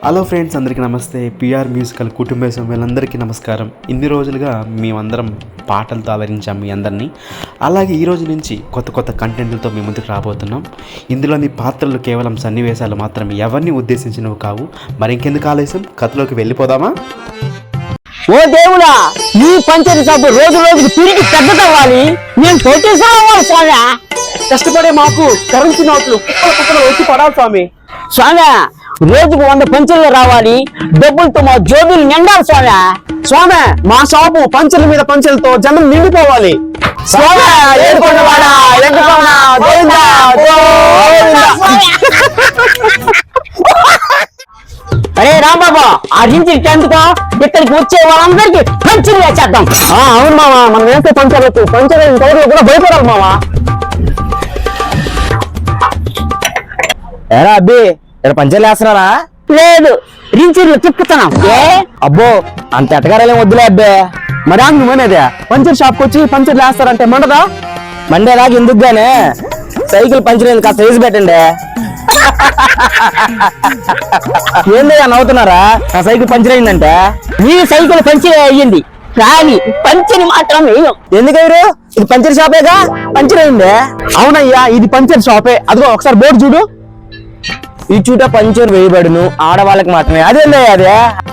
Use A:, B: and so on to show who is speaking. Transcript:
A: Hello friends, అందరికీ నమస్తే. PR musical కుటుంబ సభ్యులందరికీ నమస్కారం. ఇన్ని రోజులుగా మేమందరం పాటలతో ఆదరించాం మీ అందరినీ. అలాగే ఈ రోజు నుంచి కొత్త కంటెంట్లతో మీ ముందుకు రాబోతున్నాం. ఇందులోని పాత్రలు కేవలం సన్నివేశాలు మాత్రమే, ఎవరిని ఉద్దేశించినవి కావు. మరి ఇంకెందుకు ఆలస్యం, కథలోకి వెళ్ళిపోదామా?
B: ఓ దేవుడా, నీ పంచరి సబ్బు రోజు రోజుకి తిరిగి పెద్దదవ్వాలి. నేను తోటేసావాలి స్వామి.
C: కష్టపడే మాకు కరెన్సీ నోట్లు కుక్కలు వచ్చి పడాలి స్వామి.
B: స్వామి, రోజుకు 100 పంచర్లు రావాలి. డబ్బులతో మా జోబులు నిండాలి స్వామి.
C: స్వామి, మా షాపు పంచర్ల మీద పంచర్లతో జనం నిండిపోవాలి.
B: స్వామి, ఏడుకొండవాడా, ఏడుకొండ గోవిందా, గోవిందా. అరే రాంబాబా, ఆ నుంచి 10th ఇక్కడికి వచ్చే వాళ్ళందరికీ పంచర్లు వేసేద్దాం.
C: అవును మావా, మనం వేస్తే పంచర్లకు పంచర్ టైర్లు కూడా భయపడాలి మావా.
D: ఏరా అబ్బి, ఇక్కడ పంచర్లు వేస్తున్నారా?
B: లేదు, రించర్లు తిప్పుతున్నాం.
D: అబ్బో, అంత ఎటగారాలేం వద్దులే అబ్బే.
C: మరి నువ్వనేదే పంచర్ షాప్కి వచ్చి పంచర్లు వేస్తారంటే మండదా?
D: మండేలాగా ఎందుకు గానే సైకిల్ పంచర్ అయింది, కాస్త వేసి పెట్టండి. ఏందయ్యా నవ్వుతున్నారా? నా సైకిల్ పంచర్ అయిందంటే.
B: నీ సైకిల్ పంచర్ అయ్యింది కానీ పంచర్ మాత్రం వేయం.
D: ఎందుకయ్యారు? ఇది పంచర్ షాపేగా, పంచర్ అయింది.
C: అవునయ్యా, ఇది పంచర్ షాపే. అదిగో ఒకసారి బోర్డు చూడు.
D: ఈ చూట పంచర్ వేయబడును ఆడవాళ్ళకి మాత్రమే. అదేందయ్యా అదే?